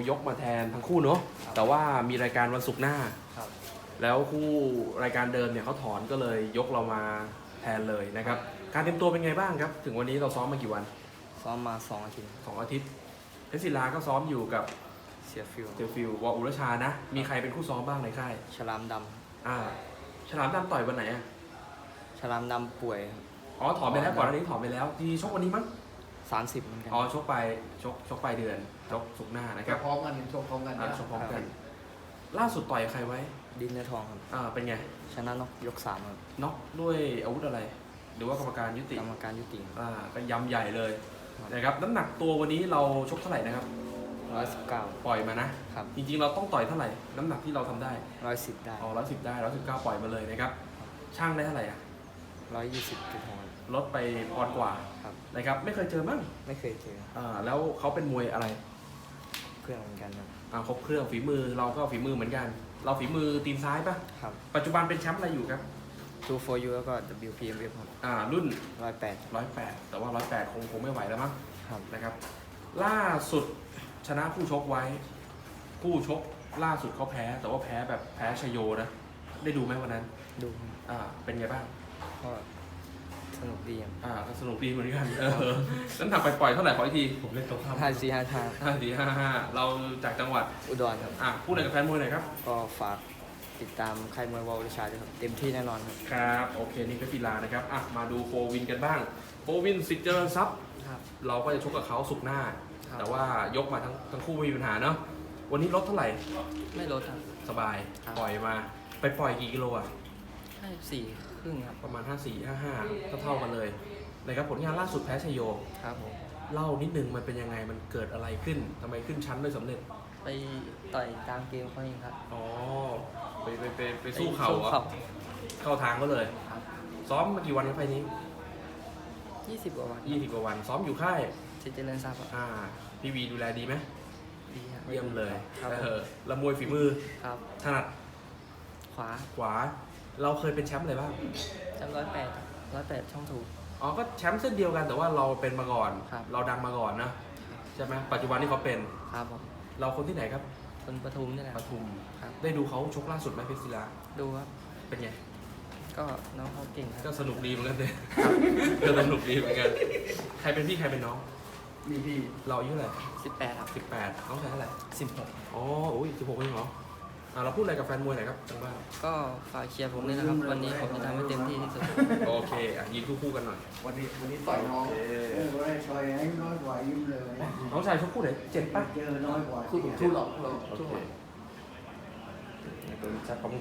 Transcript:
ยกมาแทนทั้งคู่เนาะครับแต่ว่ามีรายการวันศุกร์หน้าครับแล้วคู่รายการเดิมเนี่ยเขาถอนก็เลยยกเรามาแทนเลยนะครับ การเตรียมตัวเป็นไงบ้างครับ ถึงวันนี้เราซ้อมมากี่วันซ้อมมา2 อาทิตย์ 2 อาทิตย์เพชรศิลาก็ซ้อมอยู่กับเสียฟิลเจอฟิลวออุรชานะ มีใครเป็นคู่ซ้อมบ้างในค่ายฉลามดฉลามดำต่อยวันไหนอ่ะำฉลามดำป่วยครับอ๋อถอนไปแล้วก่อนหน้านี้ถอนไปแล้วที่ชกวันนี้มั้ง 30เหมือนกันอ๋อชกไปเดือนชกศุกร์หน้านะคครัรับบ พร้อมกันชกพร้อมกันชกพร้อมกัน ล่าสุดต่อยใครไว้ดินเนื้อทองครับเป็นไงชนะนกยก3ครับน็อกด้วยอาวุธอะไร หรือว่ากรรมการยุติกรรมการยุติก็ยำใหญ่เลยครับนะครับน้ำหนักตัววันนี้เราชกเท่าไหร่นะครับ 119 ปล่อยมานะครับจริงๆเราต้องต่อยเท่าไหร่ น้ำหนักที่เราทำได้ 110ได้อ๋อ110 ได้119ปล่อยมาเลยนะครับ ช่างได้เท่าไหร่อ่ะ 120.6 ลดไปปอนด์กว่าครับนะครับ ไม่เคยเจอมั้งไม่เคยเจอแล้วเขาเป็นมวยอะไรเพื่อนเหมือนกันครับครบเครื่องฝีมือเราก็ฝีมือเหมือนกัน เราฝีมือตีนซ้ายปะครับปัจจุบันเป็นแชมป์อะไรอยู่ครับ 2 for you แล้วก็ WPMF ครับรุ่น 108 108 แต่ว่า108คงไม่ไหวแล้วมั้งครับนะครับ ล่าสุดชนะคู่ชกไว้ คู่ชกล่าสุดเขาแพ้ แต่ว่าแพ้แบบแพ้ชโยนะ ได้ดูไหมวันนั้นดูเป็นไงบ้างก็สนุกดีครับก็สนุกดีเหมือนกันน้ำหนักไปปล่อยเท่าไหร่ขออีกทีผมเล่นตรงข้าม 5455 5455เราจากจังหวัดอุดรครับพูดอะไรกับแฟนมวยหน่อยครับก็ฝากติดตามค่ายมวยวอลวิชาด้วยครับ เต็มที่แน่นอนครับครับ โอเค นี่ก็กีฬานะครับมาดูโฟวินกันบ้าง โฟวินสิทธิ์เจริญทรัพย์ครับเราก็จะชกกับเขาสุกร์หน้าครับแต่ว่ายกมาทั้งคู่ไม่มีปัญหาเนาะ วันนี้ลดเท่าไหร่ไม่ลดครับสบายครับปล่อยมา ไปปล่อยกี่กิโลอ่ะ 54ครึ่งครับประมาณ 54 55เท่ากันเลยนะครับผลงานล่าสุดแพ้ชยโยครับผมเล่านิดนึงมันเป็นยังไง มันเกิดอะไรขึ้นทำไมขึ้นชั้นได้สำเร็จไปต่อยตามเกมเขาเองครับอ๋อ ไปสู้เข่าเหรอ เข้าทางก็เลยครับซ้อมมากี่วันครับไฟล์นี้ 20 กว่าวัน 20 กว่าวัน ซ้อมอยู่ค่ายสิทธิ์เจริญทรัพย์ครับพี่วีดูแลดีไหมดีครับเยี่ยมเลยครับละมวยฝีมือครับถนัดขวาขวา เราเคยเป็นแชมป์อะไรบ้างจำ108ช่องถูกอ๋อ ก็แชมป์เส้นเดียวกันแต่ว่าเราเป็นมาก่อนครับเราดังมาก่อนนะใช่ไหมปัจจุบันที่เขาเป็นครับผมเราคนที่ไหนครับคนปทุมนี่แหละปทุมครับได้ดูเขาชกล่าสุดไหมเพชรศิลาดูครับเป็นไงก็น้องเขาเก่งคก็รับสนุกดีเหมือนกันเลยก็สนุกดีเหมือนกัน ใครเป็นพี่ใครเป็นน้องมีพี่เราอายุเท่าไหร่ 18ครับ 18น้องชายเท่าไหร่ 16 อ๋อโอ้ย16เองเหรอเราพูดอะไรกับแฟนมวยหน่อยครับจังบ้านก็ฝากเชียร์ผมด้วยนะครับ วันนี้ผมจะทำให้เต็มที่ที่สุดโอเคยืนคู่ๆกันหน่อยวันนี้ต่อยน้องก็ได้ต่อยให้น้อยกว่ายิ้มเลยน้องชายชกคู่ไหน7ป่ะเจอน้อยกว่าคู่หลอกโอเคตัวจัดขอบคุณ